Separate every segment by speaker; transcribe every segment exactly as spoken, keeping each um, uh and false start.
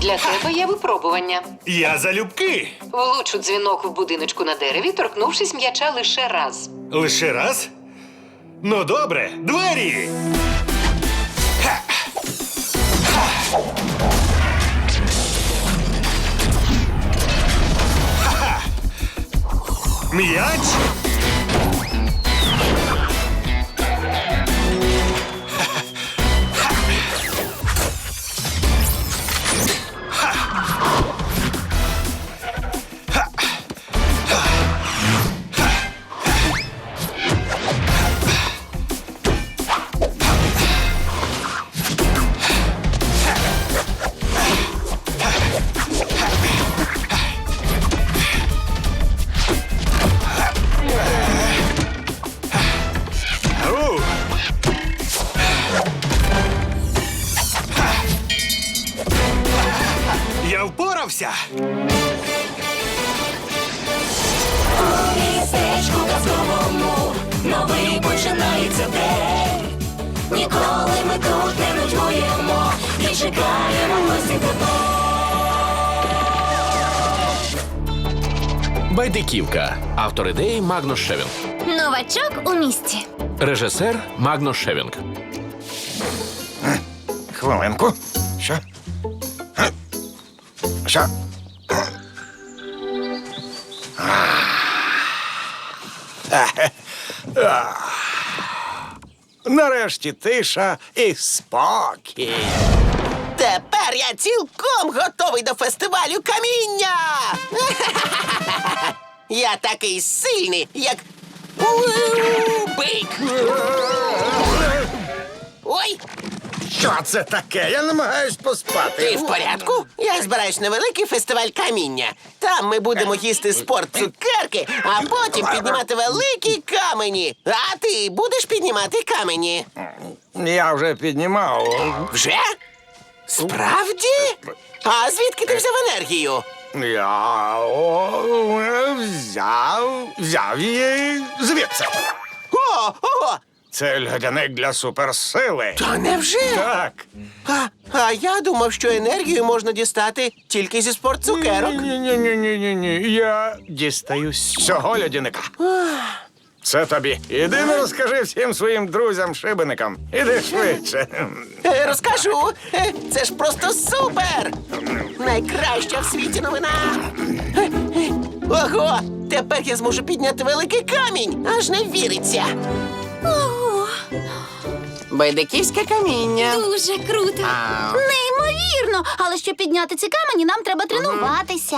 Speaker 1: Для тебе є випробування.
Speaker 2: Я залюбки.
Speaker 1: Влучу дзвінок в будиночку на дереві, торкнувшись м'яча лише раз.
Speaker 2: Лише раз? Ну, добре. Двері! Ха! Ха! Ха-ха! М'яч? Ау! Я впорався!
Speaker 3: Містечку казковому новий починається день. Ніколи ми тут не нудьгуємо і чекаємо гості тепло.
Speaker 4: Байдиківка. Автор ідеї Магнус Шевінг.
Speaker 5: Новачок у місті.
Speaker 4: Режисер Магнус Шевінг.
Speaker 6: Хвилинку. Що? Га? Що? Нарешті тиша і спокій.
Speaker 7: Тепер я цілком готовий до фестивалю каміння! Я такий сильний, як бик! Ой,
Speaker 6: Що це таке? Я намагаюсь поспати.
Speaker 7: ти в порядку? Я збираюсь на великий фестиваль каміння. Там ми будемо їсти спорт-цукерки, а потім піднімати великі камені. А ти будеш піднімати камені?
Speaker 6: Я вже піднімав.
Speaker 7: Вже? Справді? А звідки ти взяв енергію?
Speaker 6: Я о, взяв, взяв її звідси.
Speaker 7: О, ого!
Speaker 6: Це льодяник для суперсили.
Speaker 7: Та невже?
Speaker 6: Так.
Speaker 7: А, а я думав, що енергію можна дістати тільки зі спортцукерок.
Speaker 6: Ні-ні-ні-ні-ні. Я дістаю з цього льодяника. Це тобі. Іди не розкажи всім своїм друзям-шибеникам. Іди швидше.
Speaker 7: Е, Розкажу. Е, Це ж просто супер! Найкраща в світі новина. Е, е, Ого! Тепер я зможу підняти великий камінь. Аж не віриться.
Speaker 5: Ого,
Speaker 7: Байдиківське каміння.
Speaker 5: дуже круто. Неймовірно. Але щоб підняти ці камені, нам треба тренуватися.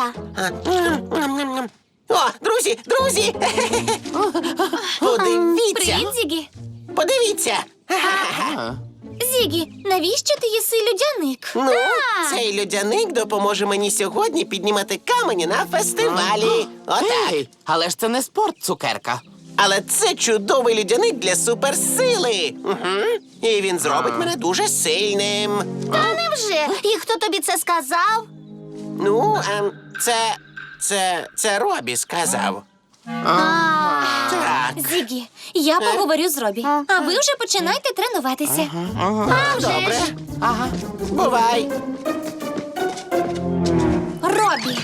Speaker 7: О, друзі, друзі! Подивіться!
Speaker 5: Привіт, Зігі.
Speaker 7: Подивіться!
Speaker 5: Зігі, навіщо ти їси людяник?
Speaker 7: Ну,
Speaker 5: А,
Speaker 7: цей льодяник допоможе мені сьогодні піднімати камені на фестивалі. Отак.
Speaker 8: Але ж це не спорт, цукерка.
Speaker 7: Але це чудовий льодяник для суперсили. Угу. І він зробить мене дуже сильним.
Speaker 5: Та невже? І хто тобі це сказав?
Speaker 7: Ну, ем, це. Це. Це Робі сказав.
Speaker 5: А,
Speaker 7: Так.
Speaker 5: Зігі, я поговорю з Робі. А ви вже починайте тренуватися. А вже
Speaker 7: Добре.
Speaker 5: ж.
Speaker 8: Ага.
Speaker 7: Бувай.
Speaker 5: Робі,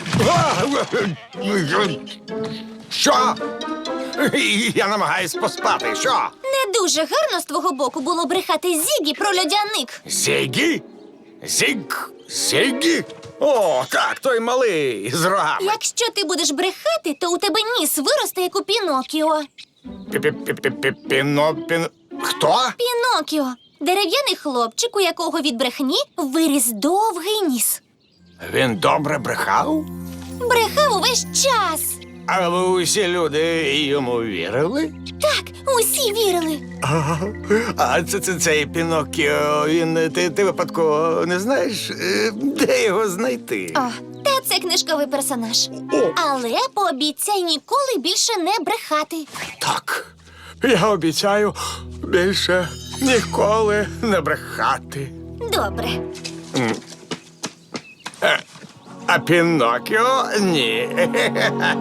Speaker 6: Що? Я намагаюсь поспати. Що?
Speaker 5: не дуже гарно з твого боку було брехати Зігі про льодяник.
Speaker 6: Зігі? Зіг? Зігі? О, так, той малий з рогами.
Speaker 5: Якщо ти будеш брехати, то у тебе ніс виросте, як у Пінокіо.
Speaker 6: Піно, піно... Хто?
Speaker 5: Пінокіо – дерев'яний хлопчик, у якого від брехні виріс довгий ніс.
Speaker 6: Він добре брехав?
Speaker 5: Брехав увесь час.
Speaker 6: А ви усі люди йому вірили?
Speaker 5: Так, усі вірили.
Speaker 6: А це, це цей Піноккіо, він, ти, ти випадково не знаєш, е, де його знайти?
Speaker 5: О, та це книжковий персонаж. Але пообіцяй ніколи більше не брехати.
Speaker 6: Так, я обіцяю більше ніколи не брехати.
Speaker 5: Добре.
Speaker 6: А Піноккіо – ні.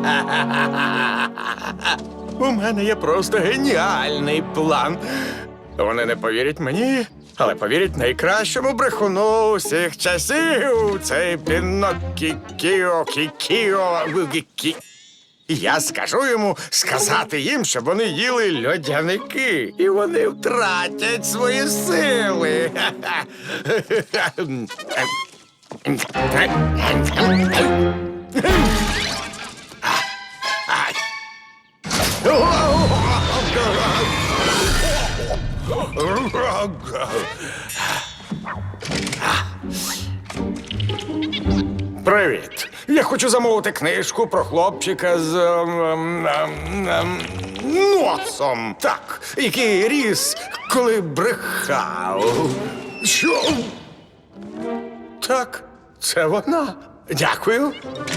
Speaker 6: У мене є просто геніальний план. Вони не повірять мені, але повірять найкращому брехуну усіх часів. Цей Піноккіо, Кікіо, Кі. Я скажу йому сказати їм, щоб вони їли льодяники, і вони втратять свої сили. Привіт. Я хочу замовити книжку про хлопчика з ем, ем, ем, ем, носом. Так, який ріс, коли брехав. Що? Так, це вона. Дякую.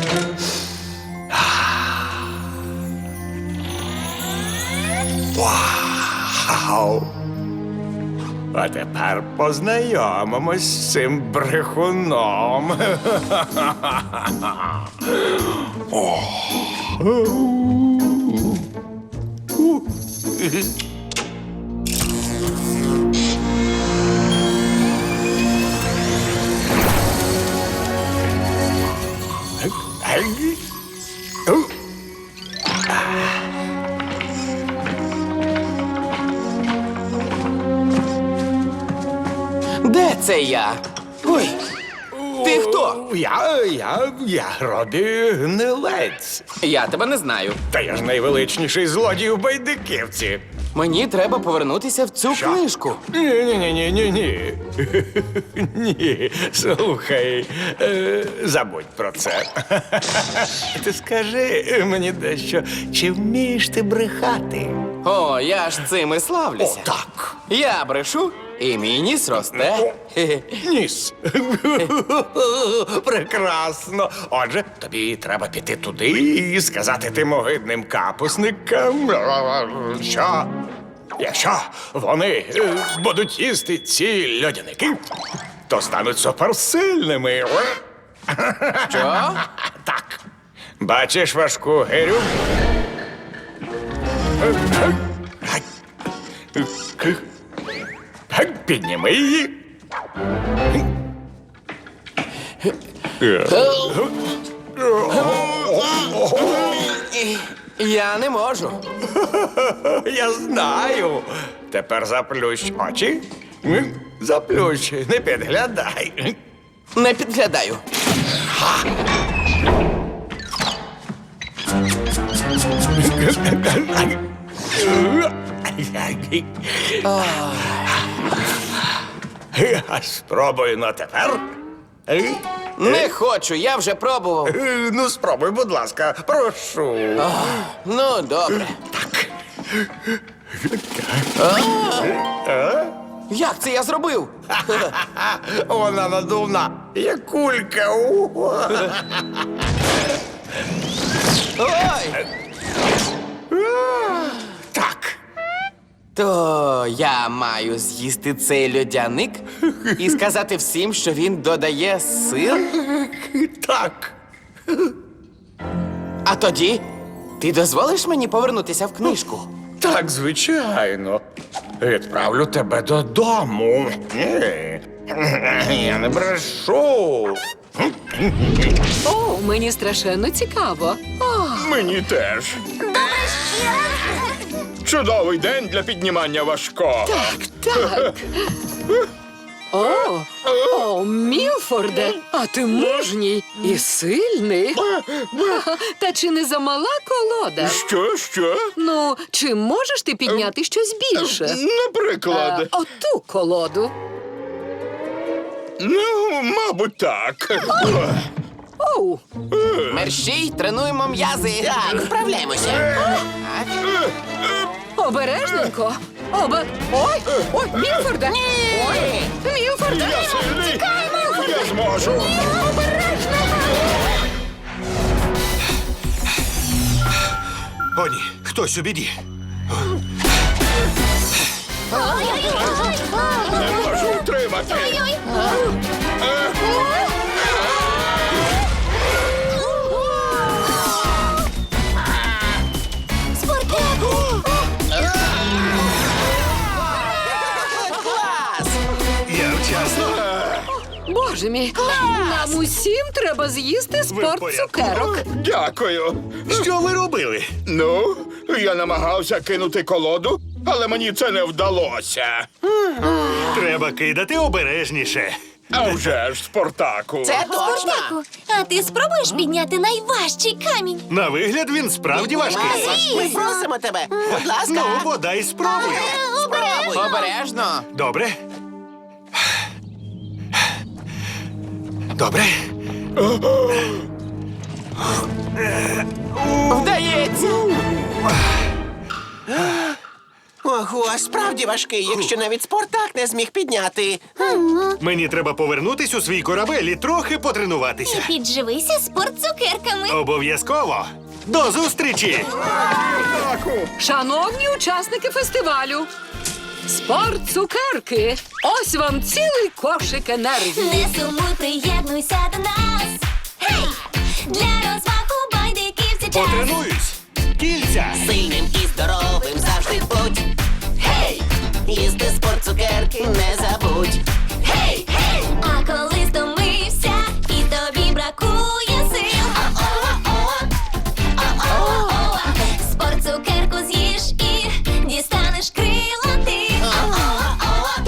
Speaker 6: Вау! А тепер познайомимось з цим брехуном. О.
Speaker 8: Де це я? Ой, ти хто?
Speaker 6: Я, я, я Робі Гнилець.
Speaker 8: Я тебе не знаю.
Speaker 6: Та я ж найвеличніший злодій у Байдиківці.
Speaker 8: Мені треба повернутися в цю
Speaker 6: Що?
Speaker 8: книжку.
Speaker 6: Ні-ні-ні-ні-ні. Ні, слухай, е, забудь про це. Ти скажи мені дещо, чи вмієш ти брехати?
Speaker 8: О, я ж цим і славлюся.
Speaker 6: О, так.
Speaker 8: Я брешу, і мій ніс росте. Хе-хе.
Speaker 6: Ніс. Прекрасно. Отже, тобі треба піти туди і сказати тим огидним капусникам, що якщо вони е, будуть їсти ці льодяники, то стануть суперсильними.
Speaker 8: Що?
Speaker 6: Так. Бачиш важку гирю? Підніми її.
Speaker 8: Я не можу.
Speaker 6: Я знаю. Тепер заплющ очі. Заплющ, не підглядай.
Speaker 8: Не підглядаю.
Speaker 6: А спробуй на тепер.
Speaker 8: Не хочу, я вже пробував.
Speaker 6: Ну, спробуй, будь ласка, прошу.
Speaker 8: Ну, добре. А? Як це я зробив?
Speaker 6: Вона надувна, як кулька.
Speaker 8: Ой!
Speaker 6: Так.
Speaker 8: То я маю з'їсти цей льодяник і сказати всім, що він додає сил?
Speaker 6: Так.
Speaker 8: А тоді ти дозволиш мені повернутися в книжку?
Speaker 6: Так, звичайно. Відправлю тебе додому. Ні. Я не брешу.
Speaker 1: О, мені страшенно цікаво. О,
Speaker 6: Мені теж. Чудовий день для піднімання важкого.
Speaker 1: так. О, о, Мілфорде, а ти мужній і сильний. Та чи не замала колода?
Speaker 6: Що, що?
Speaker 1: Ну, чи можеш ти підняти щось більше?
Speaker 6: Наприклад.
Speaker 1: А, оту колоду.
Speaker 6: Ну, мабуть, так.
Speaker 1: Оу,
Speaker 8: Мерщій, тренуємо м'язи. Так, вправляємося.
Speaker 1: обережненько. Оба... Ой, ой, Мілфорде. Ой, Мілфорде.
Speaker 6: Я сильний. Я зможу.
Speaker 2: О, ні, хтось у біді.
Speaker 6: Не можу втримати.
Speaker 5: Спартаку!
Speaker 2: Завчасно.
Speaker 1: Боже мій, нам усім треба з'їсти
Speaker 2: Ви в
Speaker 1: спорт
Speaker 2: порядку?
Speaker 1: цукерок.
Speaker 9: Дякую.
Speaker 2: Що ви робили?
Speaker 9: Ну, я намагався кинути колоду, але мені це не вдалося.
Speaker 2: Треба кидати обережніше.
Speaker 9: А вже ж, Спартаку.
Speaker 7: Це точно.
Speaker 5: Спартаку, а ти спробуєш підняти найважчий камінь?
Speaker 2: На вигляд він справді важкий.
Speaker 7: Ми просимо тебе. Будь ласка.
Speaker 2: Ну, бодай спробую.
Speaker 7: Спробуй.
Speaker 8: Обережно.
Speaker 2: Добре. Добре.
Speaker 8: Вдається.
Speaker 7: Ого, справді важкий, якщо навіть Спартак не зміг підняти.
Speaker 2: Мені треба повернутись у свій корабель і трохи потренуватися.
Speaker 5: Підживися спорт цукерками.
Speaker 2: Обов'язково. До зустрічі!
Speaker 1: Шановні учасники фестивалю, спорт цукерки. Ось вам цілий кошик енергії.
Speaker 5: Не сумуй, приєднуйся до нас. Гей! Для розвагу байдиків це час.
Speaker 2: Потренуюсь! Кільця!
Speaker 7: Сильним і здоровим завжди будь. Гей! Їсти спорт цукерки не забудь. Гей! Гей!
Speaker 5: А коли стомився і тобі бракує сил. О-о-о, о-о-о, спорт цукерку з'їж і дістанеш крила ти. О-о-о,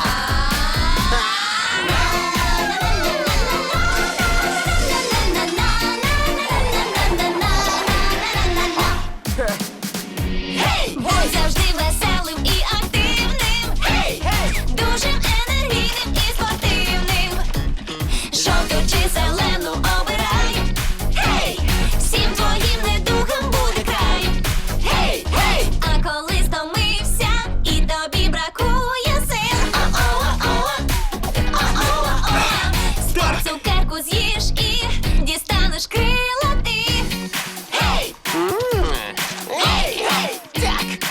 Speaker 5: будь завжди веселим і активним. Дуже енергійним і спортивним. Жовту чи зелену обирай. Гей! Всім твоїм недугам буде край. Гей! Гей! А коли стомився і тобі бракує сил. О-о-о, о-о-о, спорт цукерку з'їж і дістанеш крила ти. Гей! Гей! Гей! Так!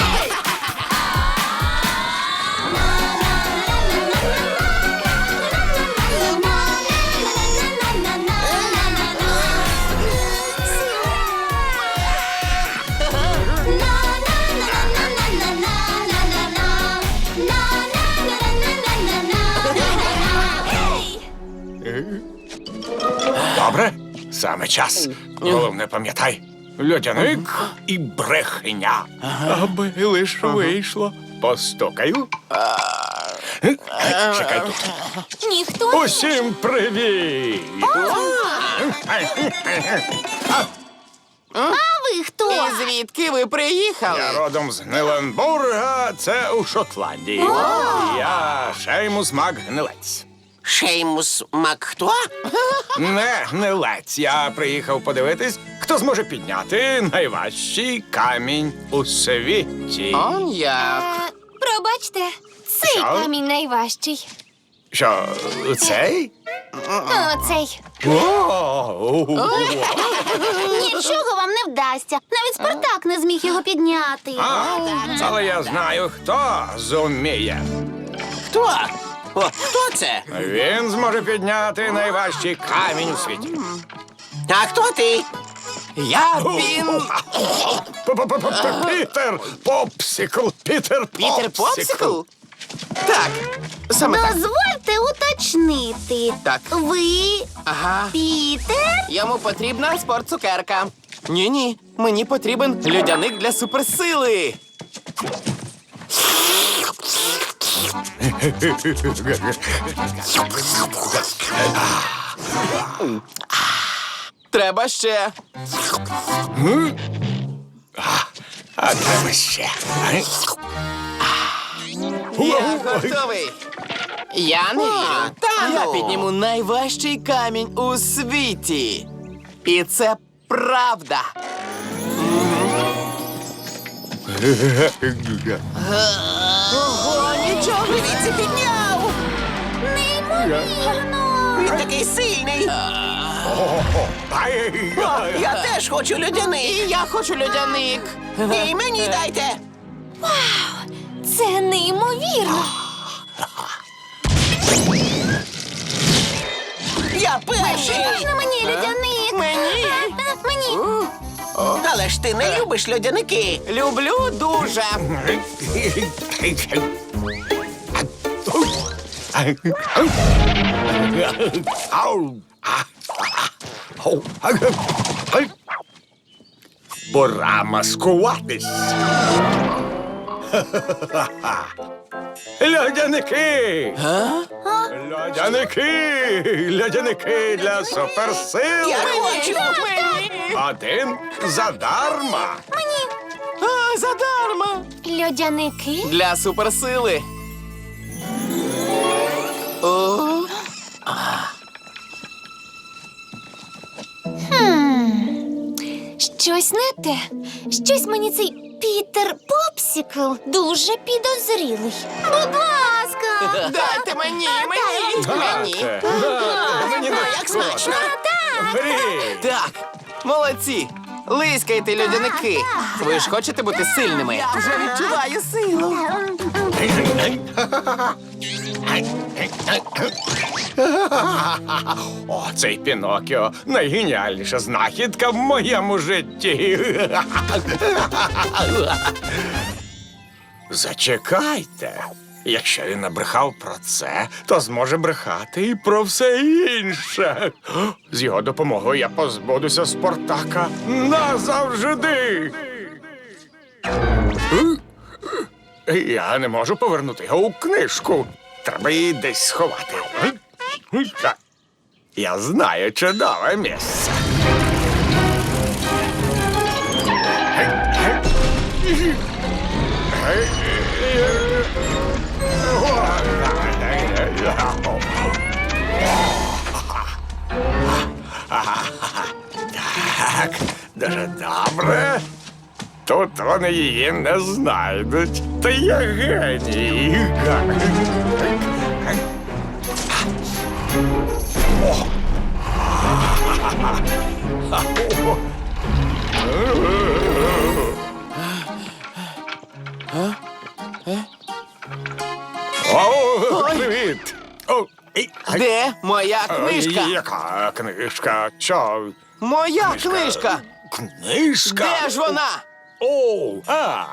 Speaker 6: Добре, саме час. Головне, пам'ятай. Льодяник і брехня. Аби лиш вийшло. Постукаю. Чекай тут.
Speaker 5: Ніхто
Speaker 6: Усім привіт!
Speaker 5: А ви хто?
Speaker 8: І звідки ви приїхали?
Speaker 6: Я родом з Гниленбурга, це у Шотландії. Я Шеймус Мак-Гнилець.
Speaker 7: Шеймус Мак хто?
Speaker 6: Не гнилець. Я приїхав подивитись, хто зможе підняти найважчий камінь у світі.
Speaker 8: Он як.
Speaker 5: Пробачте, цей
Speaker 6: Що?
Speaker 5: камінь найважчий.
Speaker 6: Що, цей?
Speaker 5: Оцей.
Speaker 6: О,
Speaker 5: Нічого вам не вдасться. Навіть Спартак не зміг його підняти.
Speaker 6: а, але я знаю, хто зуміє.
Speaker 7: Хто? О, хто це?
Speaker 6: Він зможе підняти найважчий камінь у світі.
Speaker 7: А хто ти?
Speaker 8: Я він.
Speaker 6: П-п-п-п- Пітер Попсикл. Пітер
Speaker 8: Пітер Попсикл? Так, саме так.
Speaker 5: Дозвольте уточнити.
Speaker 8: Так.
Speaker 5: Ви
Speaker 8: Ага.
Speaker 5: Пітер?
Speaker 8: Йому потрібна спорт-цукерка. Ні-ні, мені потрібен льодяник для суперсили. Треба ще.
Speaker 6: А треба ще.
Speaker 8: Я готовий. Я не вірю.
Speaker 7: та
Speaker 8: Я
Speaker 7: ну.
Speaker 8: підніму найважчий камінь у світі. І це правда. Ого, нічого.
Speaker 7: Дивіться, підняв!
Speaker 5: Неймовірно.
Speaker 7: Він такий сильний. О, я теж хочу
Speaker 8: І
Speaker 7: льодяний.
Speaker 8: я хочу льодяник.
Speaker 7: І мені дайте.
Speaker 5: Це неймовірно.
Speaker 7: Я перший.
Speaker 5: Можна мені льодяник?
Speaker 8: Мені?
Speaker 5: А, Мені.
Speaker 7: Але ж ти не любиш льодяники.
Speaker 8: Люблю дуже.
Speaker 6: Ау. А, а, ау. Ай. Пора маскуватись. Льодяники! Льодяники! Льодяники для суперсил!
Speaker 7: Я хочу!
Speaker 6: Один задарма!
Speaker 8: А, задарма!
Speaker 5: Льодяники?
Speaker 8: Для суперсили. О,
Speaker 5: Щось не те. Щось мені цей Пітер Попсікл дуже підозрілий. Будь ласка!
Speaker 8: дайте мені, мені, мені.
Speaker 6: Мені не
Speaker 7: Як смачно!
Speaker 6: Беріть.
Speaker 8: Так, молодці. Лискайте, льодяники. Ви ж хочете бути сильними? Я вже відчуваю силу.
Speaker 6: О, цей Пінокіо найгеніальніша знахідка в моєму житті. Зачекайте. Якщо він набрехав про це, то зможе брехати і про все інше. З його допомогою я позбудуся Спартака назавжди. Я не можу повернути його у книжку. Треба її десь сховати. Так. Я знаю чудове місце. Так, дуже добре. Тут вони її не знайдуть. Та я геній. О, привіт. О, і-
Speaker 8: Де моя книжка?
Speaker 6: Яка книжка? Що?
Speaker 8: Моя книжка!
Speaker 6: Книжка?
Speaker 8: Де ж вона?
Speaker 6: О, а.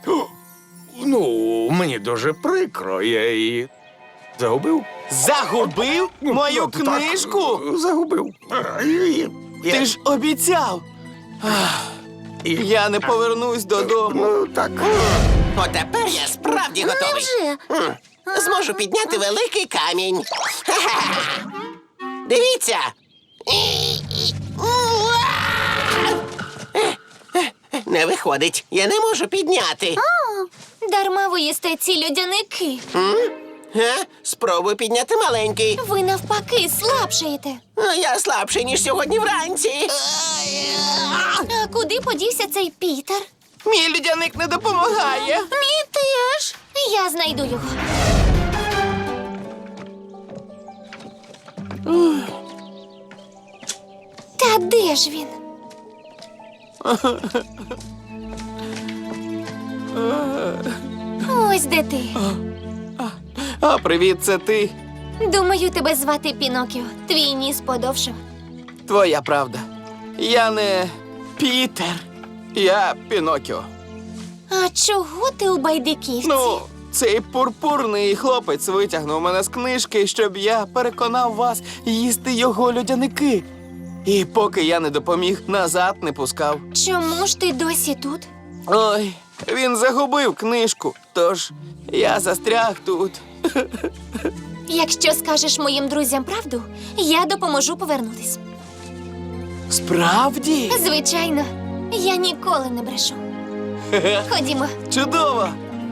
Speaker 6: Ну, мені дуже прикро, я її загубив.
Speaker 8: Загубив мою
Speaker 6: Так,
Speaker 8: книжку?
Speaker 6: Загубив. Я-
Speaker 8: Ти ж обіцяв. Ах, Я не повернусь додому.
Speaker 6: Ну, так.
Speaker 7: Отепер я справді готовий.
Speaker 5: Невже?
Speaker 7: М, Зможу підняти великий камінь. Ха-ха. Дивіться. Не виходить. Я не можу підняти.
Speaker 5: О, дарма ви їсте ці льодяники.
Speaker 7: Га? Спробуй підняти маленький.
Speaker 5: Ви навпаки слабшаєте.
Speaker 7: А Я слабший, ніж сьогодні вранці.
Speaker 5: А куди подівся цей Пітер?
Speaker 8: Мій льодяник не допомагає.
Speaker 5: Мій теж. Я знайду його. Та де ж він? Ось де ти.
Speaker 8: А привіт, це ти.
Speaker 5: Думаю, тебе звати Пінокіо. Твій ніс подовшав.
Speaker 8: Твоя правда. Я не Пітер. Я Пінокіо.
Speaker 5: А чого ти у байдиківці?
Speaker 8: Ну, цей пурпурний хлопець витягнув мене з книжки, щоб я переконав вас їсти його льодяники. І поки я не допоміг, назад не пускав.
Speaker 5: Чому ж ти досі тут?
Speaker 8: Ой, він загубив книжку, тож я застряг тут.
Speaker 5: Якщо скажеш моїм друзям правду, я допоможу повернутись.
Speaker 8: Справді?
Speaker 5: Звичайно, я ніколи не брешу. Ходімо.
Speaker 8: Чудово!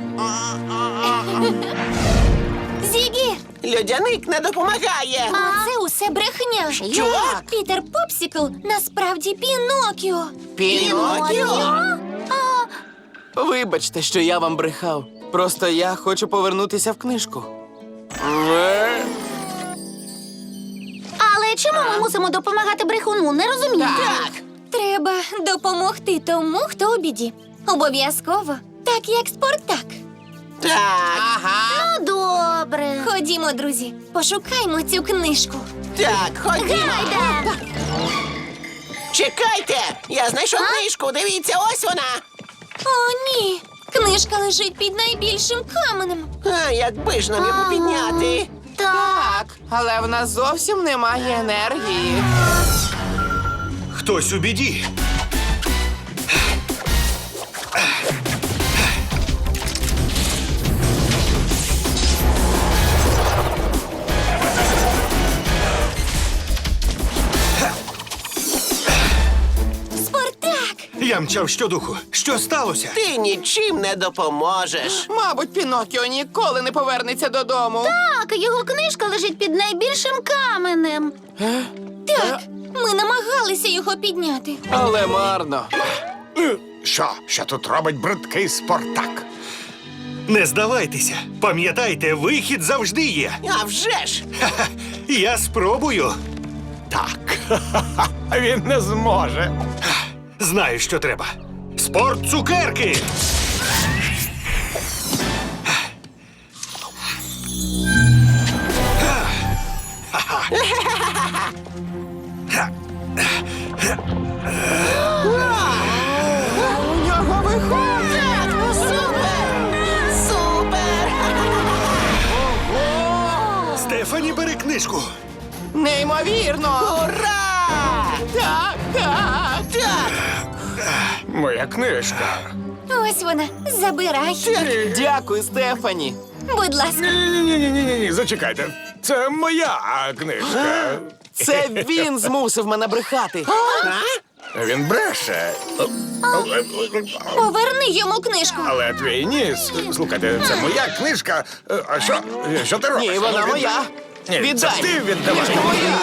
Speaker 5: Зігі!
Speaker 7: Льодяник не допомагає.
Speaker 5: А це усе брехня.
Speaker 7: Що?
Speaker 5: Пітер Попсікл насправді Пінокіо.
Speaker 7: Пінокіо?
Speaker 8: Вибачте, що я вам брехав. Просто я хочу повернутися в книжку.
Speaker 5: Але чому ми мусимо допомагати брехуну? Не розумію. Так. Треба допомогти тому, хто у біді. Обов'язково. Так, як Спартак.
Speaker 7: Так,
Speaker 5: Ну, добре. Ходімо, друзі, пошукаймо цю книжку.
Speaker 7: так, ходімо.
Speaker 5: Гайда!
Speaker 7: Чекайте! Я знайшов книжку, дивіться, ось вона.
Speaker 5: О, ні. Книжка лежить під найбільшим каменем.
Speaker 7: А, якби ж нам його підняти.
Speaker 8: Так, але в нас зовсім немає енергії.
Speaker 2: Хтось у біді.
Speaker 5: Спартак!
Speaker 2: Я мчав щодуху. Що сталося?
Speaker 7: Ти нічим не допоможеш.
Speaker 8: Мабуть, Піноккіо ніколи не повернеться додому.
Speaker 5: Так, його книжка лежить під найбільшим каменем. Так, ми намагалися його підняти.
Speaker 8: Але марно.
Speaker 6: Що? Що тут робить бридкий Спартак?
Speaker 2: Не здавайтеся. Пам'ятайте, вихід завжди є.
Speaker 7: А вже ж!
Speaker 2: Ха-ха. Я спробую.
Speaker 6: Так. Він не зможе.
Speaker 2: Знаю, що треба. Спорт цукерки!
Speaker 8: У нього виходить!
Speaker 7: Супер! Супер!
Speaker 2: Стефані, бери книжку.
Speaker 8: Неймовірно!
Speaker 7: Ура!
Speaker 8: Так, так!
Speaker 7: Так!
Speaker 6: Моя книжка.
Speaker 5: Ось вона. Забирай.
Speaker 8: Дякую, Стефані.
Speaker 5: Будь ласка.
Speaker 6: Ні-ні-ні, зачекайте. Це моя книжка.
Speaker 8: Це він змусив мене брехати.
Speaker 6: Він бреше.
Speaker 5: Поверни йому книжку.
Speaker 6: Але твій ніс. Слухайте, це моя книжка. Е, А що? Що ти робиш?
Speaker 8: Ні, вона
Speaker 6: Ну, від-
Speaker 8: моя.
Speaker 6: Ні,
Speaker 8: Віддай.
Speaker 6: це ти віддавай.
Speaker 8: Книжка моя.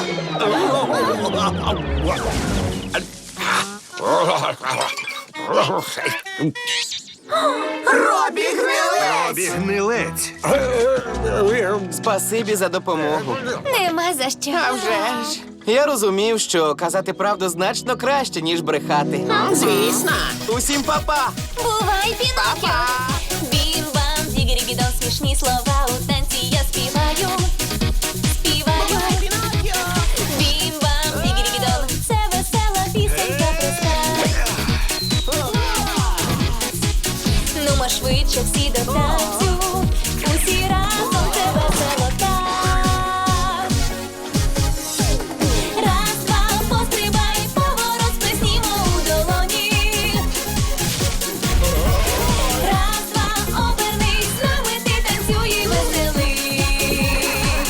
Speaker 7: Робі гнилець!
Speaker 2: Робі гнилець.
Speaker 8: Спасибі за допомогу.
Speaker 5: Нема за що.
Speaker 8: А вже ж. Я розумів, що казати правду значно краще, ніж брехати.
Speaker 7: Звісно!
Speaker 8: Усім па-па!
Speaker 5: Бувай, Піноккіо!
Speaker 3: Бім-бам, дігері-бідон, смішні слова у танці я співаю. Співаю. Бім-бам, дігері-бідон, це весела пісенька проста. Нумо швидше всі до танцю, усі разом це весело так. Раз, два, пострибай, поворот сплеснімо у долоні. Раз, два, обернись, з нами ти танцюй і веселись.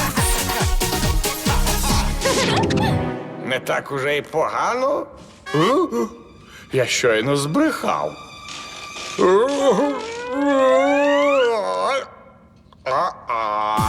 Speaker 6: Не так уже й погано. Е? Я щойно збрехав. А-а.